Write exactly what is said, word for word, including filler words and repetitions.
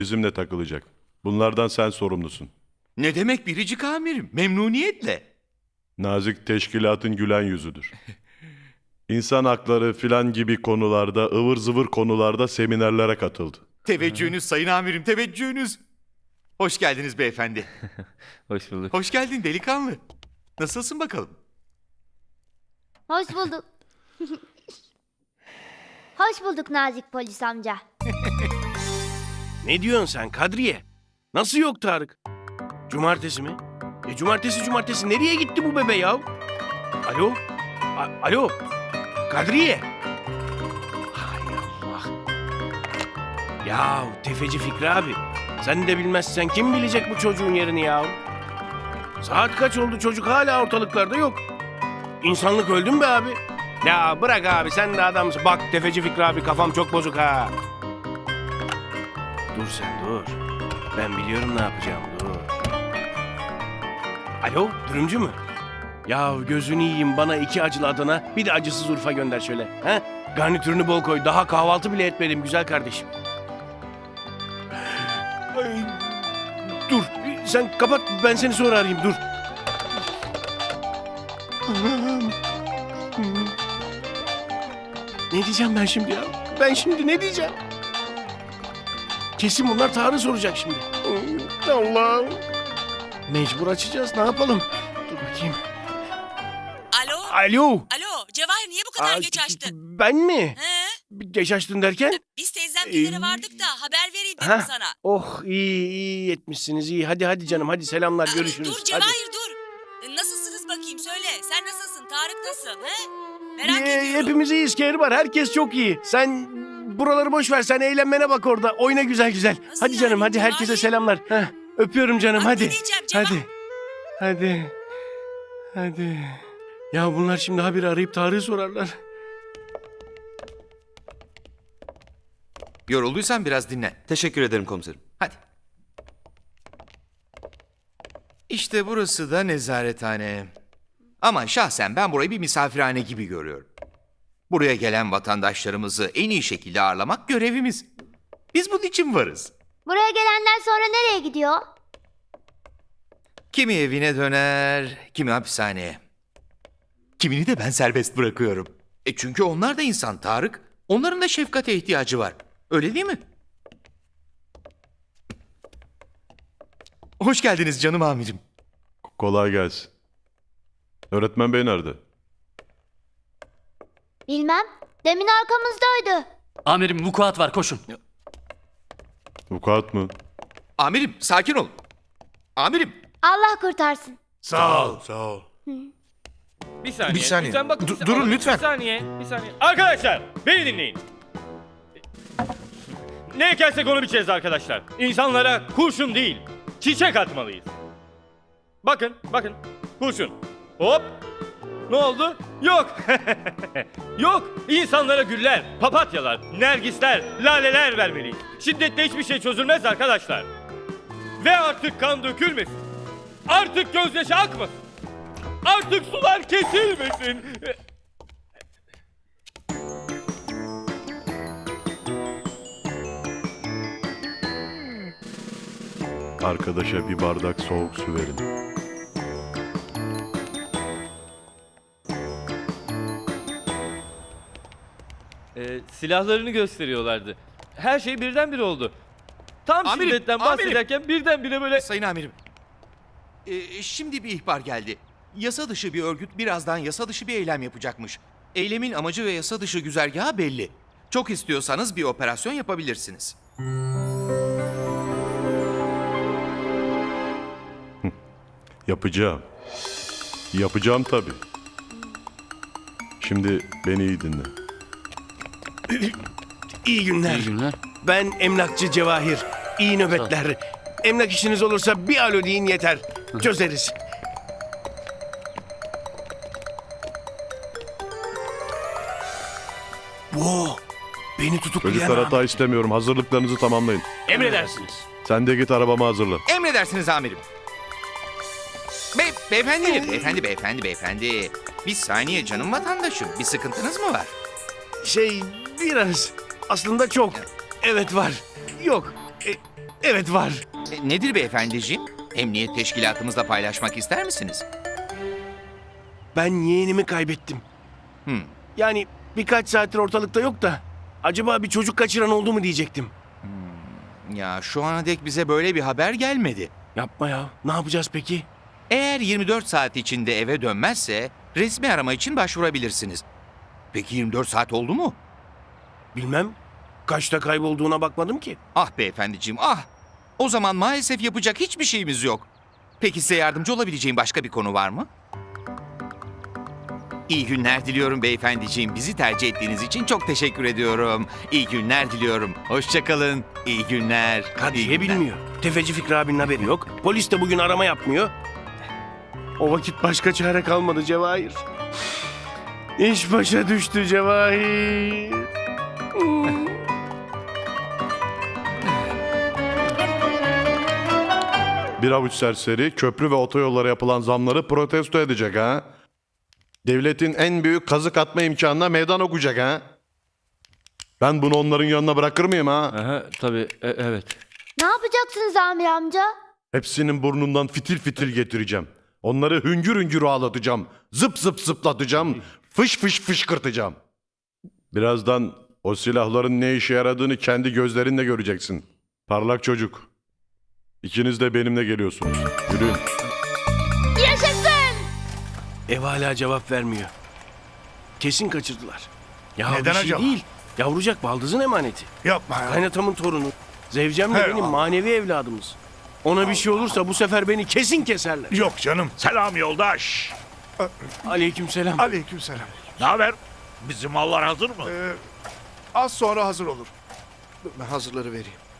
bizimle takılacak. Bunlardan sen sorumlusun. Ne demek biricik amirim? Memnuniyetle. Nazik teşkilatın gülen yüzüdür. İnsan hakları filan gibi konularda, ıvır zıvır konularda seminerlere katıldı. Teveccühünüz sayın amirim, teveccühünüz. Hoş geldiniz beyefendi. Hoş bulduk. Hoş geldin delikanlı. Nasılsın bakalım? Hoş bulduk. Hoş bulduk nazik polis amca. Ne diyorsun sen Kadriye? Nasıl yok Tarık? Cumartesi mi? E cumartesi cumartesi nereye gitti bu bebe ya? Alo? A- Alo? Kadriye? Hay Allah. Ya tefeci Fikri abi. Sen de bilmezsen kim bilecek bu çocuğun yerini ya? Saat kaç oldu, çocuk hala ortalıklarda yok. İnsanlık öldü mü be abi? Ya bırak abi, sen de adamsın. Bak tefeci Fikri abi, kafam çok bozuk ha. Dur sen dur. Ben biliyorum ne yapacağım, dur. Alo, dürümcü mü? Ya gözünü yiyeyim, bana iki acılı Adana, bir de acısız Urfa gönder şöyle. He? Garnitürünü bol koy, daha kahvaltı bile etmedim güzel kardeşim. Ay, dur, sen kapat, ben seni sonra arayayım, dur. Ne diyeceğim ben şimdi ya? Ben şimdi ne diyeceğim? Kesin bunlar Tarık'ı soracak şimdi. Allah'ım. Mecbur açacağız, ne yapalım? Dur bakayım. Alo? Alo. Alo, Cevahir niye bu kadar Aa, geç açtın? Ben mi? He? Geç açtın derken? Biz teyzemgillere Ee, vardık da haber vereyim dedim Hah. sana. Oh iyi iyi etmişsiniz, iyi. Hadi hadi canım, hadi selamlar, Aa, görüşürüz. Dur Hadi. Cevahir dur. E, Nasılsınız bakayım söyle. Sen nasılsın? Tarık nasıl? He? Merak Ee, ediyorum. hepimiz iyiyiz, Kehri var. Herkes çok iyi. Sen buraları boş ver. Sen eğlenmene bak orada. Oyna güzel güzel. Nasıl hadi canım, yani? hadi herkese Cevahir? selamlar. Heh, öpüyorum canım, Abi, hadi. ne diyeceğim Cevahir? Hadi. Hadi. Hadi. Ya bunlar şimdi haberi arayıp Tarık'ı sorarlar. Yorulduysan biraz dinlen. Teşekkür ederim komiserim. Hadi. İşte burası da nezarethane. Ama şahsen ben burayı bir misafirhane gibi görüyorum. Buraya gelen vatandaşlarımızı en iyi şekilde ağırlamak görevimiz. Biz bunun için varız. Buraya gelenden sonra nereye gidiyor? Kimi evine döner, kimi hapishaneye. Kimini de ben serbest bırakıyorum. E çünkü onlar da insan Tarık. Onların da şefkate ihtiyacı var. Öyle değil mi? Hoş geldiniz canım amirim. Kolay gelsin. Öğretmen bey nerede? Bilmem. Demin arkamızdaydı. Amirim vukuat var, koşun. Vukuat mı? Amirim sakin ol. Amirim. Allah kurtarsın. Sağ ol. Sağ ol. Bir saniye. Bir saniye. Lütfen bakın. Du- bir- durun Aa, lütfen. Bir saniye. Bir saniye. Arkadaşlar beni dinleyin. Ne ekersek onu biçeceğiz arkadaşlar. İnsanlara kurşun değil, çiçek atmalıyız. Bakın, bakın. Kurşun. Hop. Ne oldu? Yok. Yok. İnsanlara güller, papatyalar, nergisler, laleler vermeliyiz. Şiddetle hiçbir şey çözülmez arkadaşlar. Ve artık kan dökülmesin. Artık gözyaşı akmasın. Artık sular kesilmesin. Arkadaşa bir bardak soğuk su verin. Ee, silahlarını gösteriyorlardı. Her şey birdenbire oldu. Tam Amirim, şiddetten amirim. bahsederken birdenbire böyle... Sayın amirim. Ee, şimdi bir ihbar geldi. Yasa dışı bir örgüt birazdan yasa dışı bir eylem yapacakmış. Eylemin amacı ve yasa dışı güzergahı belli. Çok istiyorsanız bir operasyon yapabilirsiniz. Yapacağım. Yapacağım tabii. Şimdi beni iyi dinle. İyi günler. İyi günler. Ben emlakçı Cevahir. İyi nöbetler. Emlak işiniz olursa bir alo deyin yeter. Çözeriz. Wow, beni tutuklayan Çocuklar abi. hata istemiyorum. Hazırlıklarınızı tamamlayın. Emredersiniz. Sen de git arabamı hazırla. Emredersiniz amirim. Be beyefendi, beyefendi, beyefendi, beyefendi. Bir saniye canım vatandaşım. Bir sıkıntınız mı var? Şey biraz. Aslında çok. Evet var. Yok. Evet var. E, nedir beyefendiciğim? Emniyet teşkilatımızla paylaşmak ister misiniz? Ben yeğenimi kaybettim. Hmm. Yani birkaç saattir ortalıkta yok da acaba bir çocuk kaçıran oldu mu diyecektim. Ya şu ana dek bize böyle bir haber gelmedi. Yapma ya. Ne yapacağız peki? Eğer yirmi dört saat içinde eve dönmezse resmi arama için başvurabilirsiniz. Peki yirmi dört saat oldu mu? Bilmem. Kaçta kaybolduğuna bakmadım ki. Ah beyefendiciğim ah. O zaman maalesef yapacak hiçbir şeyimiz yok. Peki size yardımcı olabileceğim başka bir konu var mı? İyi günler diliyorum beyefendiciğim. Bizi tercih ettiğiniz için çok teşekkür ediyorum. İyi günler diliyorum. Hoşça kalın. İyi günler. İyi Kadriye günler. bilmiyor. Tefeci Fikri abinin haberi yok. Polis de bugün arama yapmıyor. O vakit başka çare kalmadı Cevahir. İş başa düştü Cevahir. Bir avuç serseri köprü ve otoyollara yapılan zamları protesto edecek ha. Devletin en büyük kazık atma imkanına meydan okuyacak ha. Ben bunu onların yanına bırakır mıyım ha? Aha, tabii e- evet. Ne yapacaksınız Amir amca? Hepsinin burnundan fitil fitil getireceğim. Onları hüngür hüngür ağlatacağım. Zıp zıp zıplatacağım. Fış fış fışkırtacağım. Birazdan o silahların ne işe yaradığını kendi gözlerinle göreceksin. Parlak çocuk. İkiniz de benimle geliyorsunuz. Yürüyün. Yaşasın! Ev hala cevap vermiyor. Kesin kaçırdılar. Ya Neden bir şey acaba? değil. Yavrucak baldızın emaneti. Yapma ya. Kaynatamın torunu. Zevcem de Hey benim Allah. manevi evladımız. Ona bir şey olursa bu sefer beni kesin keserler. Yok canım. Selam yoldaş. Aleykümselam. Aleykümselam. Ne haber? Bizim mallar hazır mı? Ee, az sonra hazır olur. Ben hazırları vereyim.